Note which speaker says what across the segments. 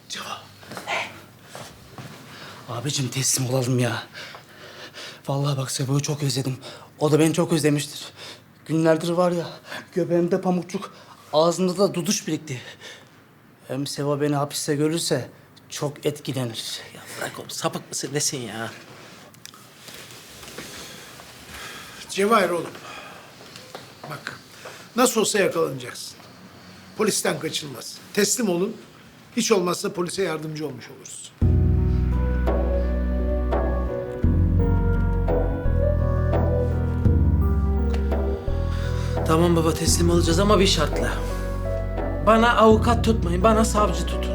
Speaker 1: Abicim teslim olalım ya. Vallahi bak Sevo'yu çok özledim. O da beni çok özlemiştir. Günlerdir var ya göbeğimde pamukçuk, ağzımda da duduş birikti. Hem Sevo beni hapiste görürse çok etkilenir.
Speaker 2: Ya bırak oğlum, sapık mısın nesin ya?
Speaker 3: Cevahir oğlum. Bak, nasıl olsa yakalanacaksın. Polisten kaçılmaz. Teslim olun. Hiç olmazsa polise yardımcı olmuş oluruz.
Speaker 2: Tamam baba, teslim olacağız ama bir şartla. Bana avukat tutmayın, bana savcı tutun.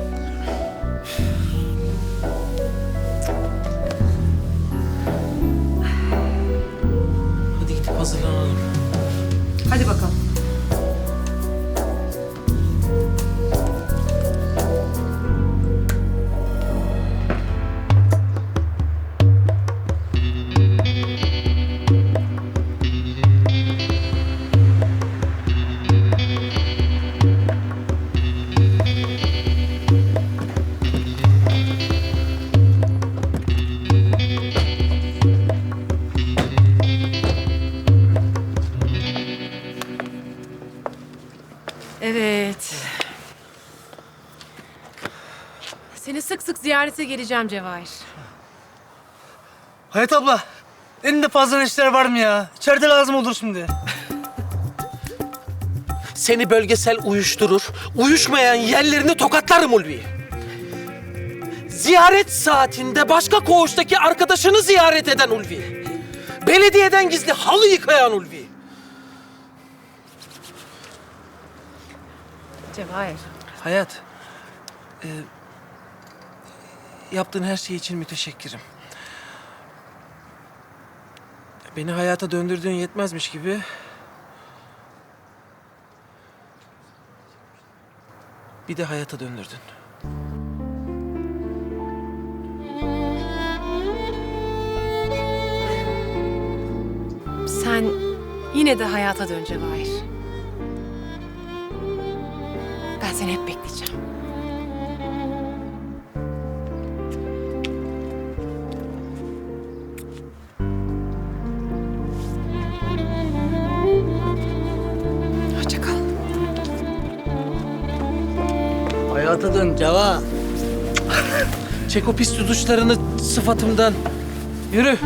Speaker 2: Hadi gidip hazırlanalım.
Speaker 4: Hadi bakalım. Evet. Seni sık sık ziyarete geleceğim Cevahir.
Speaker 1: Hayat abla, elinde fazla işler var mı ya? İçeride lazım olur şimdi.
Speaker 2: Seni bölgesel uyuşturur, uyuşmayan yerlerini tokatlarım Ulvi. Ziyaret saatinde başka koğuştaki arkadaşını ziyaret eden Ulvi. Belediyeden gizli halı yıkayan Ulvi.
Speaker 4: Cevahir.
Speaker 2: Hayat, yaptığın her şey için müteşekkirim. Beni hayata döndürdüğün yetmezmiş gibi... bir de hayata döndürdün.
Speaker 4: Sen yine de hayata dön Cevahir. Ben seni hep bekleyeceğim. Hoşça kal.
Speaker 1: Hayata dön Ceva.
Speaker 2: Çek o pis tutuşlarını sıfatımdan. Yürü.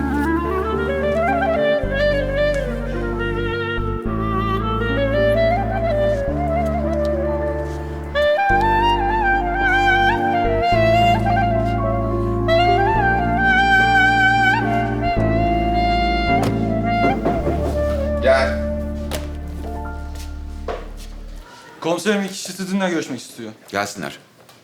Speaker 5: Gel.
Speaker 6: Komiserim iki kişi sizinle görüşmek istiyor.
Speaker 5: Gelsinler.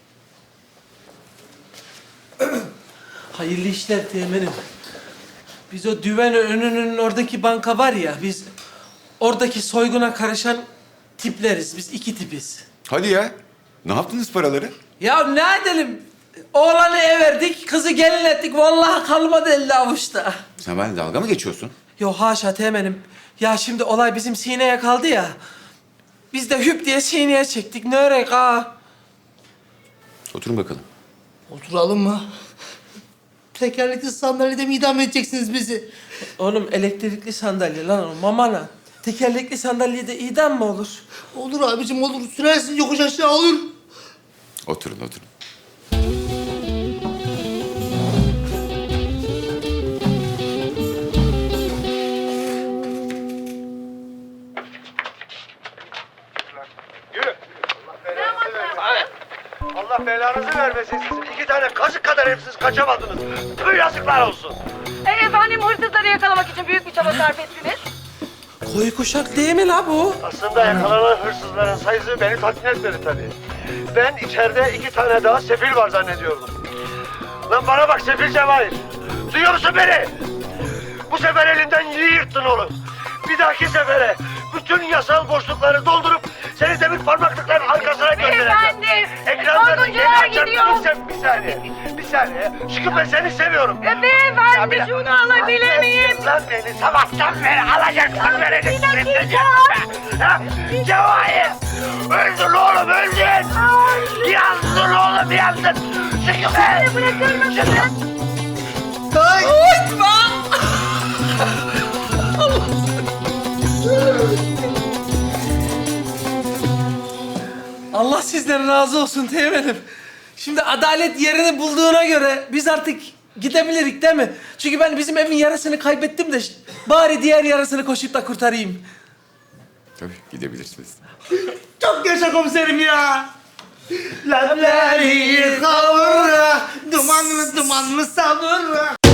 Speaker 2: Hayırlı işler teğmenim. Biz o düven önünün oradaki banka var ya, biz oradaki soyguna karışan tipleriz. Biz iki tipiz.
Speaker 5: Hadi ya. Ne yaptınız paraları?
Speaker 2: Ya ne edelim? Oğlanı ev verdik, kızı gelin ettik. Vallahi kalmadı elde avuçta.
Speaker 5: Sen benimle dalga mı geçiyorsun?
Speaker 2: Yo haşa teğmenim. Ya şimdi olay bizim sineye kaldı ya. Biz de hüp diye sineye çektik. Ne örek ha?
Speaker 5: Oturun bakalım.
Speaker 1: Oturalım mı? Tekerlekli sandalyede mi idam edeceksiniz bizi?
Speaker 2: Oğlum elektrikli sandalye lan o mamana. Tekerlekli sandalyede idam mı olur?
Speaker 1: Olur abicim olur. Sürersin yokuş aşağı olur.
Speaker 5: Oturun, oturun.
Speaker 7: Allah belanızı vermesin sizin. 2 tane kazık kadar hepsiz kaçamadınız. Tüh yazıklar olsun.
Speaker 8: Efendim hırsızları yakalamak için büyük bir çaba sarf ettiniz.
Speaker 2: Koyu kuşak değil mi la bu?
Speaker 7: Aslında yakalanan hırsızların sayısı beni tatmin etmedi tabii. Ben içeride 2 tane daha sefil var zannediyordum. Lan bana bak sefil Cevahir. Duyuyor musun beni? Bu sefer elinden iyi yırttın oğlum. Bir dahaki sefere bütün yasal boşlukları doldurup seni demir parmaklıkların arkasına göndereceğim.
Speaker 8: Efendim,
Speaker 7: Ekranlarını
Speaker 8: soyguncular
Speaker 7: yeni açar
Speaker 8: gidiyor.
Speaker 7: mısın? Bir saniye. Bir saniye. Çıkıp ben seni seviyorum.
Speaker 8: Beyefendi şunu alabilir miyim?
Speaker 7: Lan beni sabahtan beri alacaksan vereceksin.
Speaker 8: Bir dakika.
Speaker 7: Ha? Cevahir! Öldün oğlum öldün! Yazdın oğlum canımı yaktın. Çıkın be.
Speaker 8: Bırakır mısın?
Speaker 2: Allah sizden razı olsun Teğmen'im. Şimdi adalet yerini bulduğuna göre biz artık gidebilirik değil mi? Çünkü ben bizim evin yarısını kaybettim de bari diğer yarısını koşup da kurtarayım.
Speaker 5: Tabii gidebilirsiniz.
Speaker 1: Çok yaşa komiserim ya. Lableri kavura, dumanlı dumanlı savura.